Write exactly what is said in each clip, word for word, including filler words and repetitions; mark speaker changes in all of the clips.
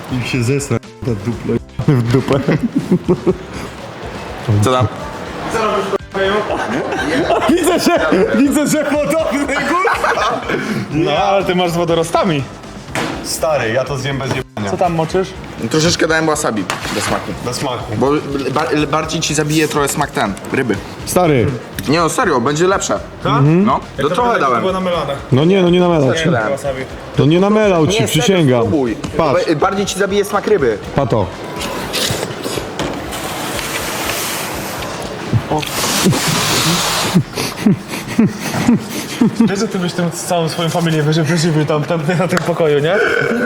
Speaker 1: I się zesra ta dupla w dupę.
Speaker 2: Co tam?
Speaker 1: Widzę, że, widzę, że podobny kurwa.
Speaker 3: No, ale ty masz z wodorostami.
Speaker 1: Stary, ja to zjem bez jebania.
Speaker 3: Co tam moczysz?
Speaker 2: Troszeczkę dałem wasabi do smaku.
Speaker 1: Do smaku.
Speaker 2: Bo ba bardziej ci zabije trochę smak ten, ryby.
Speaker 1: Stary,
Speaker 2: Nie no, serio, będzie lepsze. Mhm. No, to trochę dałem.
Speaker 3: Było namelane.
Speaker 1: no nie, no nie namelał ci.
Speaker 2: dałem.
Speaker 3: Wasabi.
Speaker 1: To nie namelał ci,
Speaker 2: serio,
Speaker 1: przysięgam.
Speaker 2: spróbuj.
Speaker 1: Patrz,
Speaker 2: Ba- Bardziej ci zabije smak ryby.
Speaker 1: pato.
Speaker 3: Wiesz, że ty byś tym z całą swoją familię wyżył, wyżywił tam, tam na tym pokoju, nie?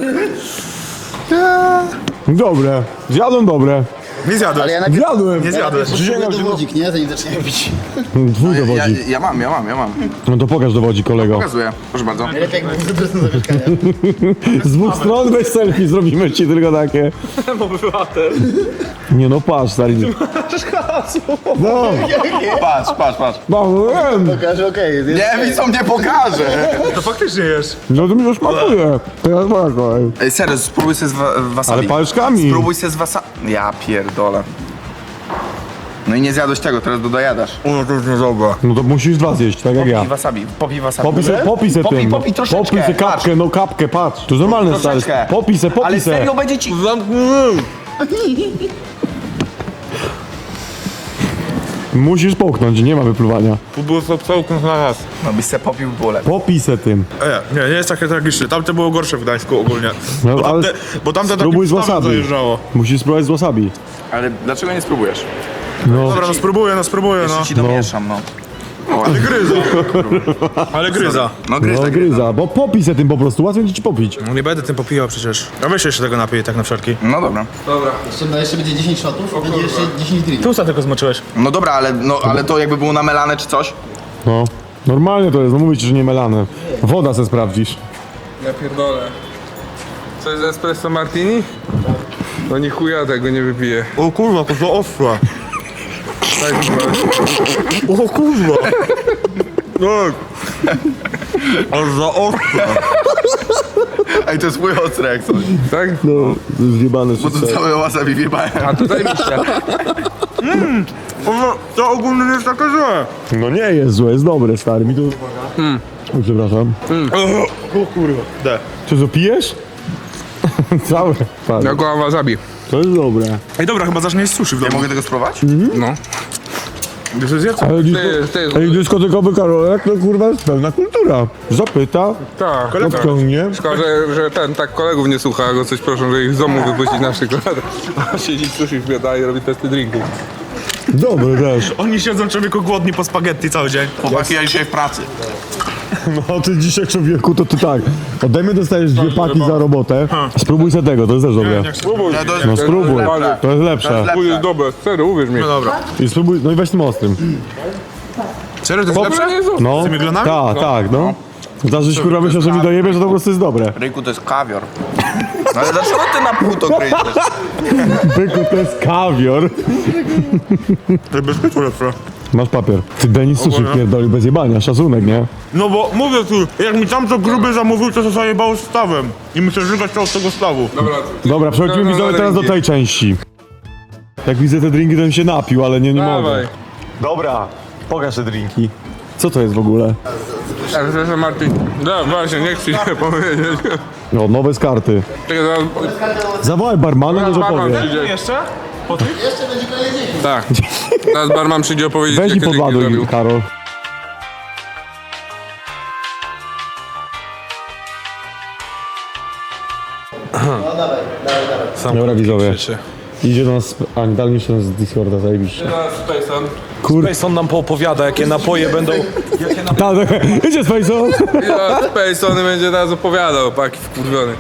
Speaker 1: Dobre, zjadłem dobre.
Speaker 3: Nie zjadłeś.
Speaker 4: Ale ja najpierw
Speaker 1: Zjadłem.
Speaker 3: Nie zjadłeś.
Speaker 1: Przysięgam, że
Speaker 4: dowodzik, nie? Zanim zacznie pić.
Speaker 1: Twój
Speaker 2: Ja,
Speaker 1: dowodzi.
Speaker 2: ja mam, ja mam, ja mam.
Speaker 1: No to pokaż dowodzi, kolego.
Speaker 2: Pokazuję, proszę bardzo.
Speaker 4: Lepiej jakby był zadrosny do mieszkania.
Speaker 1: Z dwóch stron weź selfie, zrobimy ci tylko takie.
Speaker 3: Obywatel.
Speaker 1: Nie no, patrz, stary. No,
Speaker 2: Patrz, patrz, patrz.
Speaker 1: no, wiem.
Speaker 4: Pokażę, okej. jest-
Speaker 2: Nie, widzą, nie pokażę.
Speaker 3: To faktycznie jesz.
Speaker 1: No to mi już smakuje. Teraz moja kolej.
Speaker 2: Ej, serio, spróbuj sobie z wa wasabi.
Speaker 1: Ale paluszkami.
Speaker 2: Spróbuj sobie z wasabi. Ja pierdolę. No i nie zjadłeś tego, teraz dodajadasz.
Speaker 3: No to jest niedobra.
Speaker 1: No to musisz dwa zjeść, tak jak ja.
Speaker 2: Popij wasabi, popij wasabi.
Speaker 1: Popij se, popij se
Speaker 2: Popij,
Speaker 1: tym.
Speaker 2: popij troszeczkę,
Speaker 1: Popij se
Speaker 2: patrz.
Speaker 1: kapkę, no kapkę, patrz. To jest normalne, stary.
Speaker 2: Troszeczkę.
Speaker 1: Popij se, popij
Speaker 2: Ale
Speaker 1: se.
Speaker 2: serio będzie ci...
Speaker 1: Musisz połknąć, nie ma wypluwania.
Speaker 3: Tu było całkiem na raz.
Speaker 2: No byś se popił, było lepiej.
Speaker 1: Popij se tym.
Speaker 3: E, nie, nie jest takie tragiczne. Tamte było gorsze w Gdańsku ogólnie.
Speaker 1: No,
Speaker 3: Bo
Speaker 1: ale
Speaker 3: tamte, bo tamte
Speaker 1: spróbuj z
Speaker 3: takim stawem
Speaker 1: wasabi.
Speaker 3: zajeżdżało.
Speaker 1: Musisz spróbować z wasabi.
Speaker 2: Ale dlaczego nie spróbujesz?
Speaker 1: No,
Speaker 3: Dobra, no spróbuję, no spróbuję, no.
Speaker 2: Jeszcze ci domieszam, no.
Speaker 3: Ale gryza. Ale gryza.
Speaker 2: No gryza,
Speaker 1: no gryza, bo popij se tym po prostu, łatwiej ci popić.
Speaker 3: No nie będę tym popijał przecież. A weź jeszcze tego napiję tak na wszelki.
Speaker 2: No dobra.
Speaker 4: Jeszcze, no jeszcze będzie dziesięć shotów, będzie jeszcze dziesięć drinków.
Speaker 3: Tu usta tylko zmoczyłeś.
Speaker 2: No dobra, ale, no, ale to jakby było namelane czy coś?
Speaker 1: No, normalnie to jest, no mówię ci, że nie melane. Woda se sprawdzisz.
Speaker 5: Ja pierdolę. Co jest espresso martini? No ni chuja tego nie wypiję.
Speaker 3: O kurwa, to za ostre.
Speaker 5: Tak,
Speaker 3: O kurwa. Tak. Aż za ostre.
Speaker 2: Ej, to jest mój ostry jak coś.
Speaker 5: tak?
Speaker 1: No, zjebane
Speaker 2: Bo to całe wasabi wjebałem.
Speaker 5: A to zajebiście.
Speaker 3: Ono, to ogólnie nie jest takie złe.
Speaker 1: No nie jest złe, jest dobre, stary. Mi to... Mm. O, przepraszam.
Speaker 3: O kurwa. De.
Speaker 1: Czy to pijesz? Całe. Stary.
Speaker 5: Jako wasabi.
Speaker 1: To jest dobre.
Speaker 3: Ej dobra, chyba zacznie jeść sushi w
Speaker 2: Ja
Speaker 3: domu.
Speaker 2: mogę tego spróbować?
Speaker 5: No.
Speaker 3: Wiesz, co zjedzą?
Speaker 1: Ale dysko...
Speaker 5: Ty, ty,
Speaker 1: Ej, dyskotekowy Karolek to kurwa jest pełna kultura. Zapyta,
Speaker 5: tak.
Speaker 1: odciągnie.
Speaker 5: Szkoda, że, że ten tak kolegów nie słucha, a go coś proszą, że ich z domu wypuścić na przykład. A siedzi sushi wbiada i robi testy drinków.
Speaker 1: Dobre też.
Speaker 3: Oni siedzą człowieku głodni po spaghetti cały dzień.
Speaker 2: Chłopaki, ja dzisiaj w pracy.
Speaker 1: No ty dzisiaj człowieku, to ty tak. Ode mnie dostajesz dwie paki za robotę. Spróbuj se tego, to jest też dobre.
Speaker 5: Spróbuj.
Speaker 2: Ja to jest
Speaker 1: No spróbuj,
Speaker 5: Ale
Speaker 1: to jest lepsze.
Speaker 5: to jest dobre, serio, uwierz mi.
Speaker 3: No dobra.
Speaker 1: I spróbuj, no i weź tym ostrym.
Speaker 3: Serio, to jest lepsze?
Speaker 5: Nie jest
Speaker 1: No,
Speaker 3: Z tymi glonami?
Speaker 1: tak, tak, no. Zdarzysz kurwa myślę, że mi dojebie, że to po prostu jest dobre.
Speaker 2: Ryjku, to jest kawior. No ale dlaczego ty na pół to kryjesz?
Speaker 1: Byku, to jest kawior.
Speaker 3: To jest bez pytu lepsze.
Speaker 1: Masz papier. Ty Denis sushi
Speaker 3: Ogólnie.
Speaker 1: pierdoli bez jebania, szacunek, nie?
Speaker 3: No bo mówię ci, jak mi tamto gruby zamówił, to się zajebało stawem. I muszę żygać to od tego stawu.
Speaker 5: Dobra,
Speaker 1: Dobra, przechodzimy
Speaker 5: No, no,
Speaker 1: widzowie
Speaker 5: no,
Speaker 1: teraz do
Speaker 5: drinki.
Speaker 1: tej części. Jak widzę te drinki, to bym się napił, ale nie, nie
Speaker 5: Dawaj.
Speaker 1: mogę. Dobra, pokaż te drinki. Co to jest w ogóle?
Speaker 5: Espresso martini. No właśnie, nie chcę się powiedzieć.
Speaker 1: No, nowe z karty.
Speaker 5: Czekaj, zaraz...
Speaker 1: Zawołaj barmana, może
Speaker 5: barman
Speaker 1: powie.
Speaker 5: przyjdzie.
Speaker 3: Jeszcze? Po tych?
Speaker 4: Jeszcze będzie kolejny dzień.
Speaker 5: Tak. Teraz barman przyjdzie opowiedzieć,
Speaker 1: Weź i
Speaker 5: jakie drinki
Speaker 1: podładuj,
Speaker 5: zrobił.
Speaker 1: Karol.
Speaker 4: No dawaj, dawaj, dawaj.
Speaker 1: Dobra, widzowie. Idzie do nas, a dal mi się z Discorda, zajebiście.
Speaker 5: Teraz Spacon.
Speaker 1: Kur...
Speaker 3: Mason nam poopowiada, jakie napoje będą...
Speaker 1: Tak, tak. Idzie Spacon.
Speaker 5: Teraz Spacon będzie teraz opowiadał, paki wkurwiony.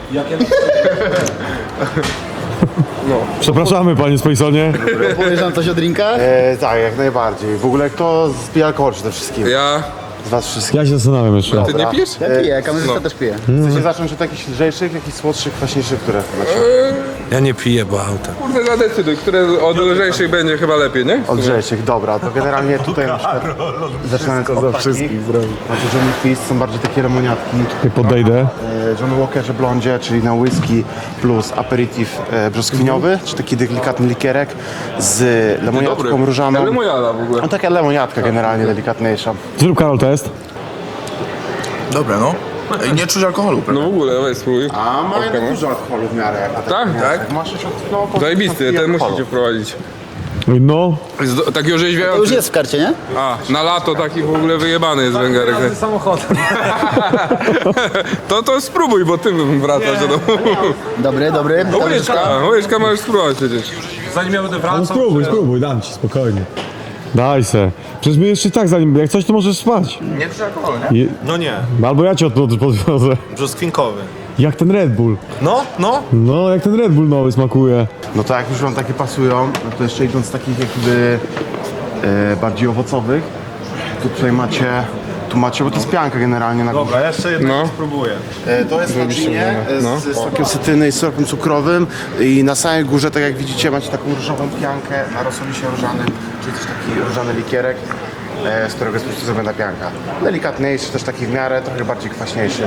Speaker 1: Przepraszamy, panie Spaconie.
Speaker 4: Powiesz nam coś o drinkach?
Speaker 6: E, tak, jak najbardziej. W ogóle kto spija alkohol przede wszystkim?
Speaker 5: Ja...
Speaker 6: Z was wszystkich.
Speaker 1: Ja się zastanawiam jeszcze.
Speaker 5: Ty nie pijesz?
Speaker 4: Ja piję, kamerzysta też pije.
Speaker 6: Chcecie zacząć od jakichś lżejszych, jakichś słodszych, kwaśniejszych, które macie?
Speaker 7: Ja nie piję, bo autem.
Speaker 5: Kurde, zadecyduj, które od lżejszych będzie chyba lepiej, nie?
Speaker 6: Od lżejszych, dobra, to generalnie tutaj na przykład zaczynając od takich, na Johnny Twist są bardziej takie lemoniatki.
Speaker 1: I podejdę.
Speaker 6: E, Johnny Walkerze Blondzie, czyli na whisky plus aperitif e, brzoskwiniowy, czy taki delikatny likierek z lemoniatką różaną.
Speaker 5: Ale mojada w ogóle.
Speaker 6: No taka lemoniatka generalnie delikatniejsza.
Speaker 1: Zrób Karol test.
Speaker 2: Dobre, no. Ej, nie czuć alkoholu, prawda?
Speaker 5: No w ogóle, weź spróbuj.
Speaker 6: A ma jednak dużo alkoholu w miarę. Jak na
Speaker 5: Tak?
Speaker 6: takie
Speaker 5: Tak?
Speaker 6: mięso. Masz już od- no, około
Speaker 5: Zajebisty, ten
Speaker 6: alkoholu.
Speaker 5: musicie wprowadzić.
Speaker 1: No,
Speaker 5: Jest do, taki
Speaker 4: To już
Speaker 5: orzeźwiający.
Speaker 4: jest w karcie, nie?
Speaker 5: A, na lato taki w ogóle wyjebany jest węgarek.
Speaker 7: Samochodem.
Speaker 5: To to spróbuj, bo ty wracasz do domu.
Speaker 4: Dobry, dobry.
Speaker 5: Łyżka, łyżka możesz spróbować przecież.
Speaker 7: Zanim ja będę
Speaker 1: no
Speaker 7: wracał...
Speaker 1: spróbuj, spróbuj, dam ci, spokojnie. Daj se. Przecież my jeszcze tak zanim, jak coś to możesz spać.
Speaker 2: Nie czuć alkoholu, nie?
Speaker 1: I,
Speaker 7: No nie,
Speaker 1: albo ja cię od od- podwiozę.
Speaker 7: brzoskwinkowy.
Speaker 1: Jak ten Red Bull.
Speaker 7: No, no.
Speaker 1: No, jak ten Red Bull nowy smakuje.
Speaker 6: No to jak już wam takie pasują, no to jeszcze idąc z takich jakby e, bardziej owocowych, to tutaj macie, tu macie, bo to jest pianka generalnie na
Speaker 7: Dobra, jeszcze jednego
Speaker 5: No.
Speaker 7: spróbuję.
Speaker 6: E, To jest na ginie e, z, z sokiem cytryny i syropem cukrowym i na samej górze, tak jak widzicie, macie taką różową piankę na rosolisie różanym, czyli też taki różany likierek, e, z którego jest po prostu zrobiona pianka. Delikatniejszy, też taki w miarę, trochę bardziej kwaśniejszy.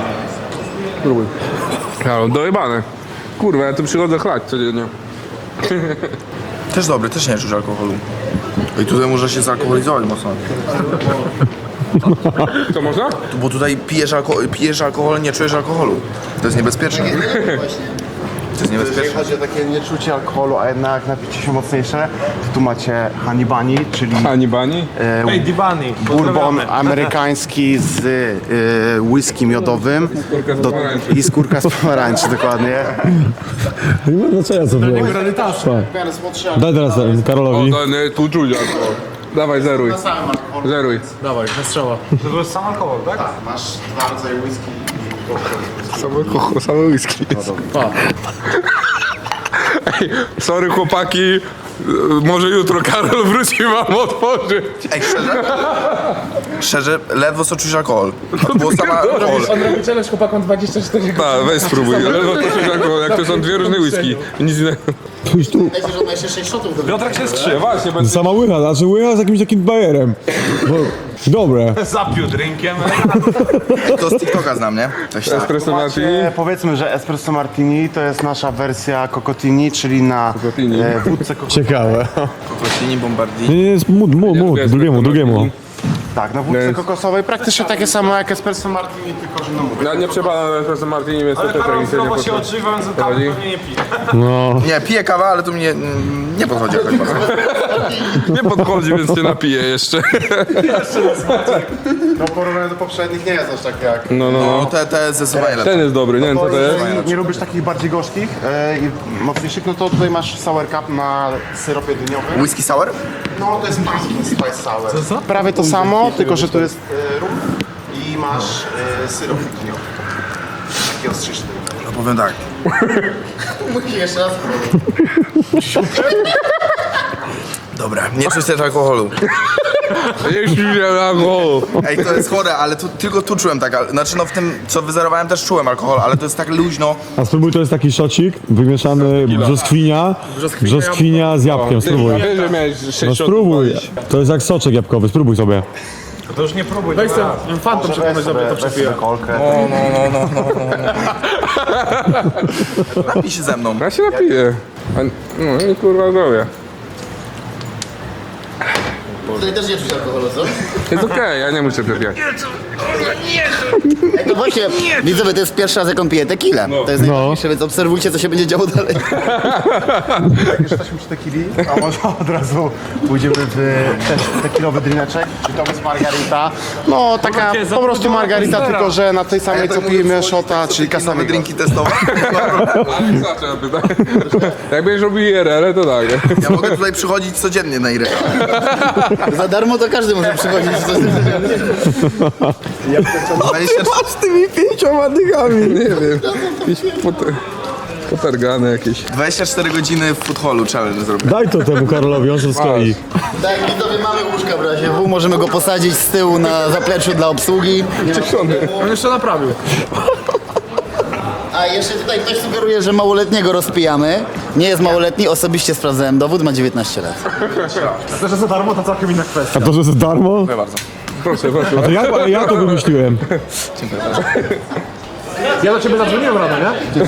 Speaker 5: Karol, dojebane. Kurwa, ja tu przychodzę chlać codziennie.
Speaker 2: Też dobry, też nie czuć alkoholu. I tutaj może się zalkoholizować mocno.
Speaker 5: To można?
Speaker 2: Bo tutaj pijesz, alko- pijesz alkohol, nie czujesz alkoholu. To jest niebezpieczne. To jest
Speaker 6: Jeżeli
Speaker 2: niebezpieczne.
Speaker 6: chodzi o takie nieczucie alkoholu, a jednak napicie się mocniejsze, to tu macie honey bunny, czyli
Speaker 5: Ani bani?
Speaker 6: e,
Speaker 7: Ej, Dibani,
Speaker 6: bourbon
Speaker 7: pozdrawiamy.
Speaker 6: amerykański z e, whisky miodowym
Speaker 5: z
Speaker 6: do,
Speaker 5: pomarańczy.
Speaker 6: i skórka z pomarańczy, dokładnie.
Speaker 1: Nie ma znaczenia co było. Daj teraz e,
Speaker 5: O,
Speaker 1: Karolowi.
Speaker 5: to nie, tu czuć alkohol. Dawaj, zeruj. Zeruj.
Speaker 7: Dawaj, na strzała. To jest sam alkohol, tak?
Speaker 6: Masz dwa rodzaje whisky.
Speaker 5: Same kocho, same whisky. Ej, sorry chłopaki, może jutro Karol wróci wam otworzyć.
Speaker 2: Ej, szczerze? Szczerze, ledwo co czuć alkohol. To było sama alkohol.
Speaker 7: robi challenge chłopakom dwadzieścia cztery
Speaker 5: Tak, weź spróbuj, ale no to czuć alkohol, jak to są dwie różne whisky. Nic innego.
Speaker 1: Pójdź tu.
Speaker 4: Myślę, że on ma jeszcze sześć shotów do
Speaker 7: Piotrek się skrzy.
Speaker 5: Właśnie, będzie...
Speaker 1: Sama łycha, znaczy łycha z jakimś takim bajerem. Bo, dobre.
Speaker 7: Zapił drinkiem.
Speaker 2: To z TikToka znam, nie? Coś tak.
Speaker 5: Espresso martini.
Speaker 6: E, powiedzmy, że espresso martini to jest nasza wersja cocotini, czyli na
Speaker 5: Cocotini.
Speaker 6: e, wódce kokosowej.
Speaker 1: Ciekawe.
Speaker 2: Kokosini, bombardi.
Speaker 1: Nie, nie, jest mów, mów, mów,
Speaker 5: lubię
Speaker 1: drugiemu,
Speaker 5: espresso
Speaker 1: drugiemu.
Speaker 5: martini.
Speaker 6: Tak, na wódce
Speaker 5: Więc-
Speaker 6: kokosowej praktycznie takie samo jak espresso martini, tylko że no mówię.
Speaker 5: Ja nie przepadam na espresso martini, więc to
Speaker 7: Ale
Speaker 5: też tak
Speaker 7: Karol
Speaker 5: mi się nie
Speaker 7: zdrowo się
Speaker 5: podoba.
Speaker 7: odżywa, więc kawy
Speaker 5: Prowadzi?
Speaker 7: pewnie nie pije.
Speaker 1: No.
Speaker 2: Nie, piję kawę, ale to mnie mm, nie podchodzi jakoś bardzo.
Speaker 5: Nie podchodzi, więc się napiję jeszcze.
Speaker 6: No porównanie do poprzednich nie jest aż tak jak...
Speaker 5: No, no,
Speaker 2: No
Speaker 5: no.
Speaker 2: te, te zdecydowanie lepsze.
Speaker 5: Ten jest dobry, nie wiem co to jest.
Speaker 6: Jeżeli nie lubisz takich bardziej gorzkich e, i mocniejszych, no to tutaj masz sour cup na syropie dyniowym.
Speaker 2: Whisky sour?
Speaker 6: No to jest pumpkin spice sour. Co, co? Prawie to samo, tylko że tu jest e, rum i masz e, syrop dyniowy. Taki ostrzyczny.
Speaker 2: No powiem tak.
Speaker 4: Musisz jeszcze raz.
Speaker 2: Dobra, nie czuć też alkoholu.
Speaker 5: Jeśli nie alkohol.
Speaker 2: Ej, to jest chore, ale tu, tylko tu czułem tak, al- znaczy no w tym co wyzerowałem też czułem alkohol, ale to jest tak luźno.
Speaker 1: A spróbuj, to jest taki szocik wymieszany brzoskwinia, brzoskwinia z jabłkiem, spróbuj.
Speaker 5: Wiesz, że miałeś sześć
Speaker 1: No
Speaker 5: shotów
Speaker 1: spróbuj.
Speaker 5: walić.
Speaker 1: To jest jak soczek jabłkowy, spróbuj sobie.
Speaker 7: To już nie próbuj. Weź ten fantom przypomnę sobie to przepiję.
Speaker 6: kolkę.
Speaker 2: Napij się ze mną.
Speaker 5: Ja się napiję. A, no i kurwa zdrowie.
Speaker 4: Tutaj też nie czuć alkoholu, co?
Speaker 5: Jest okej, ja nie muszę przepijać.
Speaker 4: Ej, to właśnie, widzowie, to jest pierwszy raz, jak on pije tequilę. To jest najważniejsze, więc obserwujcie, co się będzie działo dalej.
Speaker 6: Jak już jesteśmy przy tequili, a może od razu pójdziemy w też tequilowy drineczek, czyli to jest margarita. No taka po prostu margarita, tylko że na tej samej co pijemy shota, czyli
Speaker 2: Nowe
Speaker 6: Casamigos.
Speaker 2: drinki testowe.
Speaker 5: Ale zacząłem pytać. Jak będziesz robił I R L, to tak.
Speaker 2: Ja mogę tutaj przychodzić codziennie na Irę.
Speaker 4: Za darmo to każdy może przychodzić.
Speaker 5: Z tymi pięcioma dygami. Nie wiem. Jakieś pot- potargane jakieś.
Speaker 2: dwadzieścia cztery godziny w food hallu challenge zrobię.
Speaker 1: Daj to temu Karolowi, on się sklei.
Speaker 4: Tak, widzowie, mamy łóżka w razie W, możemy go posadzić z tyłu na zapleczu dla obsługi.
Speaker 5: Cieszony.
Speaker 7: On jeszcze naprawił.
Speaker 4: A jeszcze tutaj ktoś sugeruje, że małoletniego rozpijamy. Nie jest małoletni, osobiście sprawdzałem dowód, ma dziewiętnaście lat.
Speaker 7: A to, że za darmo, to całkiem inna kwestia.
Speaker 1: A to, że za darmo?
Speaker 2: Dziękuję bardzo.
Speaker 5: Proszę, proszę.
Speaker 1: A to ja, ja to wymyśliłem.
Speaker 7: Ja do ciebie zadzwoniłem rano, nie?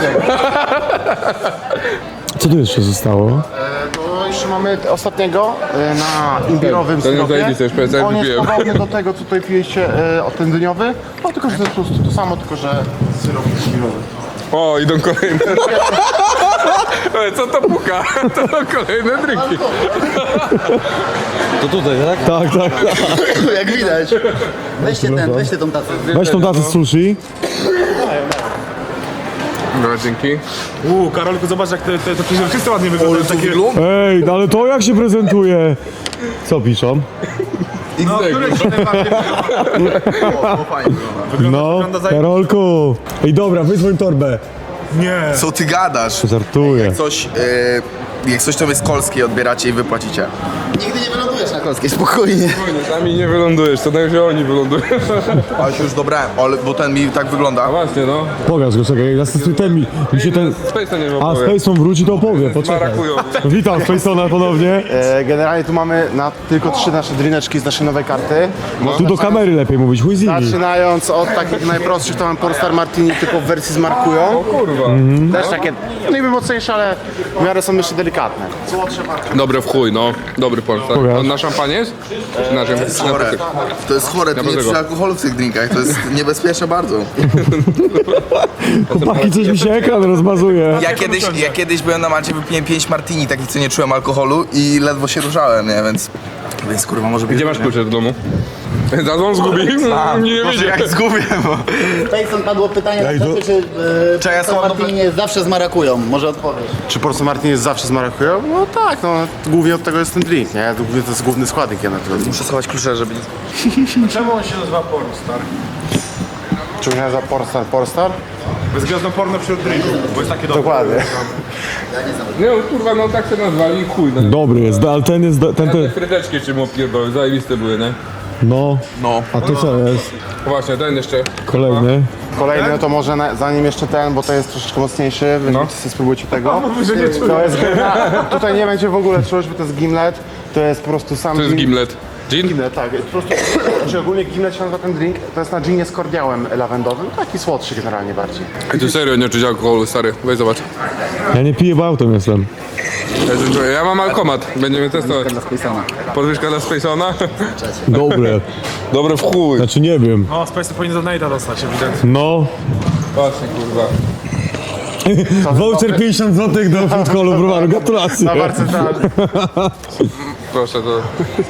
Speaker 1: Co tu jeszcze zostało?
Speaker 6: To jeszcze mamy t- ostatniego e, na imbirowym
Speaker 5: To nie
Speaker 6: syropie.
Speaker 5: zajebiste, już prawie
Speaker 6: On jest
Speaker 5: wypiłem.
Speaker 6: podobny do tego, co tutaj pijecie, e, od ten dyniowy, no tylko, że to jest po prostu to samo, tylko, że syrop jest imbirowy.
Speaker 5: O, idą kolejne. Ej, co to puka? To kolejne drinki.
Speaker 1: Tak, tak, tak.
Speaker 4: Jak widać. Weźcie ten, weźcie tą tacę.
Speaker 1: Weź tą tacę z sushi.
Speaker 5: Dobra, dzięki.
Speaker 7: Uuu, Karolku, zobacz jak te, te, te przezroczyste ładnie wyglądają. Takie...
Speaker 1: Ej, no ale to jak się prezentuje? Co piszą?
Speaker 7: No, które ci najbardziej
Speaker 1: No,
Speaker 7: wygląda za...
Speaker 1: Karolku. Ej, dobra, wyzwoń torbę.
Speaker 7: Nie.
Speaker 2: Co ty gadasz?
Speaker 1: Żartuję.
Speaker 2: Coś, yy, jak coś to jest kolskie, odbieracie i wypłacicie.
Speaker 4: Nigdy nie wylądujesz na Kolskiej, spokojnie.
Speaker 5: Spokojnie, sami nie wylądujesz, to najwyżej oni wylądują.
Speaker 2: Ale się już dobrałem, ale, bo ten mi tak wygląda.
Speaker 5: A właśnie, no.
Speaker 1: Pokaż go, czekaj, zastosuj ten mi, mi się ten...
Speaker 5: Space'a nie
Speaker 1: A,
Speaker 5: opowie.
Speaker 1: Spaceon wróci, to opowie, poczekaj.
Speaker 5: Marakują.
Speaker 1: Witam Spaceona ponownie.
Speaker 6: E, generalnie tu mamy na tylko trzy nasze drineczki z naszej nowej karty.
Speaker 1: Tu do kamery lepiej mówić, chuj z nimi.
Speaker 6: Zaczynając od takich najprostszych, to mam Pornstar Martini tylko w wersji z markują.
Speaker 5: O kurwa.
Speaker 6: Też takie niby mocniejsze, ale w miarę są jeszcze delikatne.
Speaker 5: Dobre w chuj, no. Dobry Polsat.
Speaker 1: Pokaż.
Speaker 5: On na szampanie jest? Czy na czym? Na
Speaker 2: Chore.
Speaker 5: pytek.
Speaker 2: To jest chore, tu nie
Speaker 5: Dlaczego?
Speaker 2: przy alkoholu w tych drinkach, to jest niebezpieczne bardzo.
Speaker 1: Chłopaki, coś mi się ekran rozmazuje.
Speaker 2: Ja kiedyś, ja kiedyś byłem na Malcie, wypiłem pięć martini, takich co nie czułem alkoholu i ledwo się ruszałem, nie, więc... Więc kurwa może być...
Speaker 5: Gdzie masz klucze do domu? Zadzwon zgubił? Nie
Speaker 2: Może
Speaker 5: wiedział.
Speaker 2: jak zgubię, bo...
Speaker 4: Tyson, padło pytanie,
Speaker 1: Ja
Speaker 4: ja
Speaker 1: idę-
Speaker 4: czy e,
Speaker 2: Czekaj, ja
Speaker 4: Pornstar
Speaker 2: słabo-
Speaker 4: Martini jest zawsze z marakują. Może odpowiesz.
Speaker 6: Czy Pornstar Martini jest zawsze z markują? No tak, no głównie od tego jest ten drink, nie? Głównie to jest główny składnik jednak tego drinka.
Speaker 2: Muszę schować klucze, żeby...
Speaker 7: Czemu on się nazywa Pornstar?
Speaker 6: Czy się nazywa Pornstar Pornstar?
Speaker 7: Bez gwiazdą porno wśród drinków, bo jest takie dobre.
Speaker 6: Dokładnie.
Speaker 5: Nie, no, kurwa, no tak się nazwali i chuj. No.
Speaker 1: Dobry jest, ale ten jest, ten,
Speaker 5: Te
Speaker 1: ten,
Speaker 5: frydeczki czym opierdolę, zajebiste były, nie?
Speaker 1: no.
Speaker 2: No.
Speaker 1: A to co jest?
Speaker 5: Właśnie, ten jeszcze.
Speaker 1: Kolejny.
Speaker 6: Kolejny, no to może na, zanim jeszcze ten, bo to jest troszeczkę mocniejszy, wy
Speaker 5: No.
Speaker 6: sobie spróbujcie tego.
Speaker 7: że nie czuję.
Speaker 6: To jest tutaj nie będzie w ogóle czuć, bo to jest gimlet. To jest po prostu sam
Speaker 5: To jest
Speaker 6: gin-
Speaker 5: gimlet. Gin?
Speaker 6: Gimlet, tak. Po prostu, znaczy ogólnie gimlet się nazywa ten drink. To jest na ginie z kordiałem lawendowym. Taki słodszy generalnie bardziej.
Speaker 5: Ej, tu serio nie czuć alkoholu, stary. Weź zobacz.
Speaker 1: Ja nie piję, bo autem jestem.
Speaker 5: Ja, tu czuję. Ja mam alkomat, będziemy testować.
Speaker 4: Dla Spacona.
Speaker 5: Podwyżka dla Spacona?
Speaker 1: Dobre.
Speaker 5: Dobre w chuj.
Speaker 1: Znaczy nie wiem.
Speaker 7: O, Space powinien do Nate'a dostać, ewidentnie.
Speaker 1: No.
Speaker 5: Właśnie, kurwa.
Speaker 1: Voucher pięćdziesiąt złotych do food hallu browaru. Gratulacje.
Speaker 6: Na barce centralnej.
Speaker 5: Proszę, to...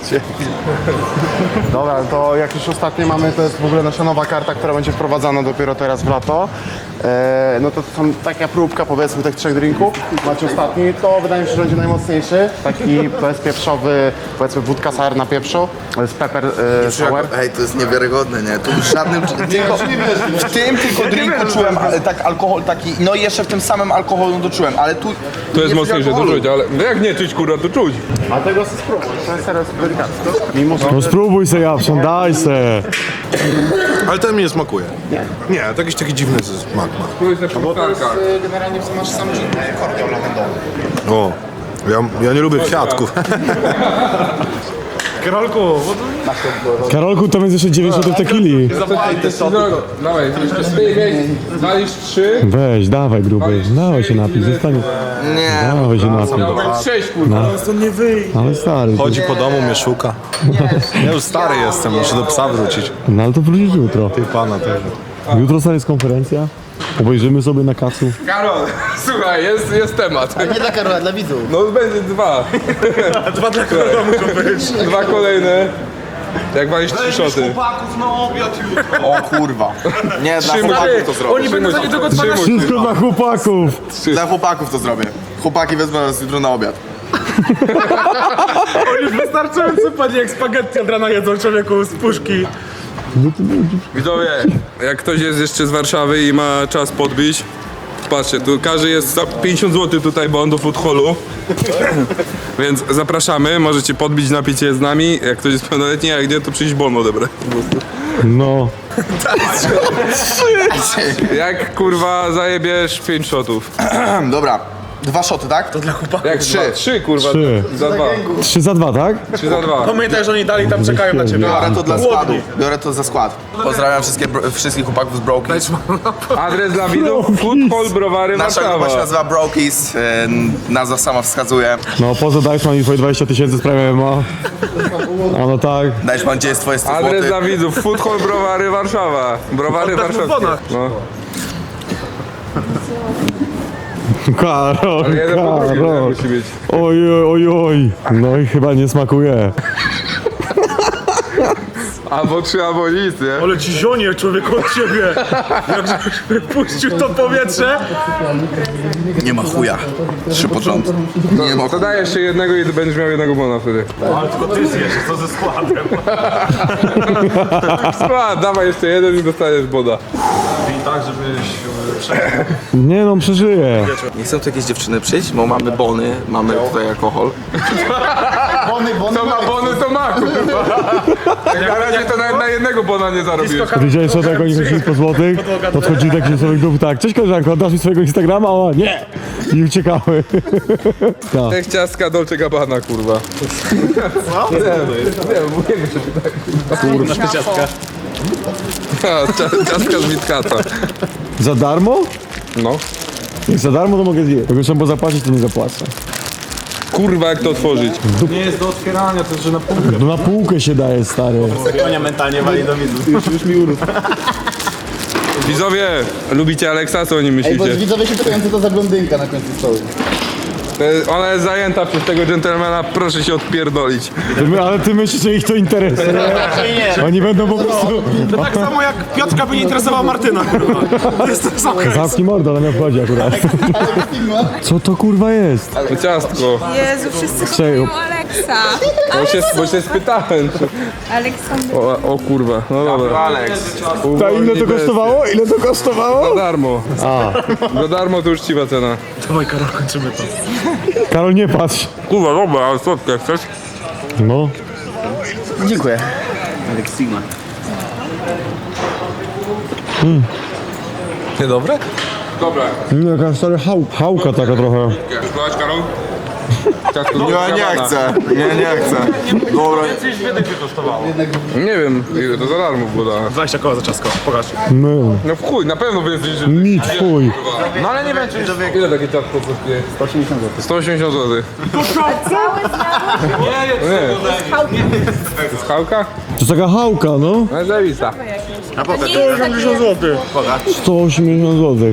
Speaker 6: Dobra, to jak już ostatnie mamy, to jest w ogóle nasza nowa karta, która będzie wprowadzana dopiero teraz w lato. E, no to, to są taka próbka powiedzmy tych trzech drinków. Macie ostatni, to wydaje mi się, że będzie najmocniejszy. Taki bezpieprzowy, powiedzmy wódka sour na pieprzu. To jest pepper e, sour.
Speaker 2: Ej, to jest niewiarygodne, nie? Tu w żadnym... Tylko, w tym tylko drinku czułem ale tak alkohol taki... No i jeszcze w tym samym alkoholu to czułem, ale tu...
Speaker 5: To jest
Speaker 2: nie
Speaker 5: mocniejsze, to
Speaker 2: alkoholu.
Speaker 5: czuć, ale... No jak nie czuć, kurwa, to czuć.
Speaker 6: A tego sobie spróbuj, to jest serio delikatne. Mimo, że
Speaker 1: No spróbuj se, Japszan, daj se.
Speaker 8: Ale ten mi nie smakuje. Nie. Nie, to jakiś taki dziwny smak ma.
Speaker 5: Tu jest na półtarkach.
Speaker 6: generalnie masz sam gin, kordiał lawendowy.
Speaker 8: O, ja, ja nie lubię kwiatków.
Speaker 7: Karolku, bo to...
Speaker 1: Karolku, tam jest jeszcze dziewięćdziesiąt tequili.
Speaker 5: Dawaj, walisz trzy.
Speaker 1: Weź, dawaj gruby. Dawaj się napij, zostań.
Speaker 2: Nie.
Speaker 1: Dawaj się napij.
Speaker 5: Dawaj sześć, kurwa.
Speaker 1: Ale stary.
Speaker 8: Chodzi po domu, mnie szuka. Ja już stary jestem, muszę do psa wrócić.
Speaker 1: No ale to wrócisz jutro.
Speaker 8: Ty pana też.
Speaker 1: Jutro sobie jest konferencja. Obejrzymy sobie na kacu.
Speaker 5: Karol, słuchaj, jest, jest temat.
Speaker 4: Nie dla Karola, dla widzów.
Speaker 5: No będzie dwa.
Speaker 7: Dwa dla Karola muszą być.
Speaker 5: Dwa kolejne. Jak walisz trzy szoty.
Speaker 2: O kurwa. Nie, dla chłopaków to zrobię.
Speaker 7: Oni będą za niedługo dzwonić.
Speaker 1: Wszystko dla chłopaków.
Speaker 2: Dla chłopaków to zrobię. Chłopaki wezmą nas jutro na obiad.
Speaker 7: Oni wystarczająco panie jak spaghetti od rana jedzą człowieku z puszki.
Speaker 5: Widzowie, jak ktoś jest jeszcze z Warszawy i ma czas podbić, patrzcie, tu każdy jest za pięćdziesiąt złotych tutaj, bo on do food hallu. Więc zapraszamy, możecie podbić, napić się z nami. Jak ktoś jest pełnoletni, a jak nie, to przyjść bon odebrać po prostu.
Speaker 1: No.
Speaker 5: Jak kurwa zajebiesz pięć shotów?
Speaker 2: Dobra, dwa szoty, tak?
Speaker 7: Dla chłopaków.
Speaker 5: Jak trzy? Trzy kurwa.
Speaker 1: Trzy.
Speaker 5: Za dwa.
Speaker 1: Trzy za dwa, tak?
Speaker 5: Trzy za dwa.
Speaker 7: Pamiętaj, że oni dalej tam czekają na ciebie.
Speaker 2: Biorę to dla składu.
Speaker 7: Głodni.
Speaker 2: Biorę to za skład. Pozdrawiam wszystkie, bro- wszystkich chłopaków z Brokies.
Speaker 5: Adres dla widzów, Food Hall Browary
Speaker 2: Nasza grupa się
Speaker 5: Warszawa.
Speaker 2: nazywa Brokies, e, nazwa sama wskazuje.
Speaker 1: No, poza Dajczman i twoje dwadzieścia tysięcy sprawy M M A. A no tak.
Speaker 2: Dajesz gdzie jest twoje sto
Speaker 5: Adres
Speaker 2: złotych?
Speaker 5: dla widzów, Food Hall Browary Warszawa. Browary
Speaker 7: Oddać mu
Speaker 5: warszawskie.
Speaker 7: bonach.
Speaker 5: No.
Speaker 1: Karol,
Speaker 5: Ale jeden po drugim, nie?
Speaker 1: Karol.
Speaker 5: Musi być.
Speaker 1: Oj, oj, oj. No i chyba nie smakuje.
Speaker 5: Albo trzy, albo nic, nie?
Speaker 7: Ale ci zionie człowieku od ciebie. Jak żebyś wypuścił to powietrze.
Speaker 2: Nie ma chuja. Trzy pod rząd. Nie ma
Speaker 5: To
Speaker 2: chuja.
Speaker 5: daj jeszcze jednego i będziesz miał jednego bona wtedy.
Speaker 7: Ale tylko ty zjesz, co ze składem.
Speaker 5: Skład, dawaj jeszcze jeden i dostaniesz bona.
Speaker 7: I tak, żebyś...
Speaker 1: Nie no, przeżyję.
Speaker 2: Nie chcą tu jakieś dziewczyny przyjść, bo mamy bony, mamy tutaj alkohol.
Speaker 4: Bony, bony,
Speaker 5: To ma bony, to ma kurwa. Jak na razie to nawet na jednego bona nie zarobiłeś.
Speaker 1: Widziałeś co, jak oni chodzili po złotych? Podchodzili do jakichś swoich grup, tak, cześć koleżanko, oddasz mi swojego Instagrama? O, nie! I uciekały. Tak.
Speaker 5: Jak ciastka Dolce Gabbana, kurwa. Co? Nie, nie, mówię, że ty tak, kurwa.
Speaker 7: Kurwa, ciastka.
Speaker 5: A, cia- Ciastka z Witkata.
Speaker 1: Za darmo?
Speaker 5: No.
Speaker 1: Jak za darmo to mogę zjeść. Jak już trzeba zapłacić, to nie zapłacę.
Speaker 5: Kurwa, jak to otworzyć?
Speaker 7: Nie jest do otwierania, to jest, że na półkę.
Speaker 1: No na półkę się daje, stary.
Speaker 7: Konia mentalnie wali do widzów. Już, już mi urósł.
Speaker 5: Widzowie, lubicie Aleksa? Co o nim
Speaker 4: Ej, bo
Speaker 5: myślicie?
Speaker 4: widzowie się pytają, co to za blondynka na końcu stołu.
Speaker 5: To jest- Ona jest zajęta przez tego dżentelmena, proszę się odpierdolić.
Speaker 1: Ty, my- ale ty myślisz, że ich to interesuje?
Speaker 4: Nie.
Speaker 1: Oni będą po prostu...
Speaker 7: To tak samo jak Piotrka by nie interesowała Martyna, kurwa. To jest to samo.
Speaker 1: Zamknij mordę, ale mnie obchodzi akurat. Co to kurwa jest?
Speaker 5: To ciastko.
Speaker 9: Jezu, wszyscy
Speaker 1: Czego?
Speaker 9: kochają Aleksa.
Speaker 5: Bo się, bo się spytałem. Czy...
Speaker 9: Aleksander.
Speaker 5: O, o kurwa, no dobra.
Speaker 2: Alex.
Speaker 1: Ta ile to kosztowało? Ile to kosztowało?
Speaker 5: Za darmo.
Speaker 1: A,
Speaker 5: Za darmo to uczciwa cena.
Speaker 7: Dawaj, Karol, kończymy to.
Speaker 1: Karol, nie patrz.
Speaker 5: Kurwa, dobra, ale słodkie chcesz?
Speaker 1: No.
Speaker 4: Dziękuję.
Speaker 2: Niedobre?
Speaker 5: Dobra.
Speaker 1: No, jaka stary hał, hałka taka trochę.
Speaker 5: Spróbować, Karol? Ciastko z
Speaker 2: Ja nie
Speaker 5: Gabbana.
Speaker 2: chcę. Nie, nie chcę. Dobra.
Speaker 5: Nie wiem, ile to za darmo było dane.
Speaker 7: dwadzieścia koła za ciastko, pokaż.
Speaker 1: No.
Speaker 5: No w chuj, na pewno wy jesteście...
Speaker 1: Nic, fuj.
Speaker 5: No ale nie wiem, czy... Ile takie ciastko kosztuje? sto osiemdziesiąt złotych. sto osiemdziesiąt złotych. To jest chałka?
Speaker 1: To jest taka hałka, no.
Speaker 5: No jest zajebista.
Speaker 9: sto osiemdziesiąt złotych.
Speaker 1: sto osiemdziesiąt złotych.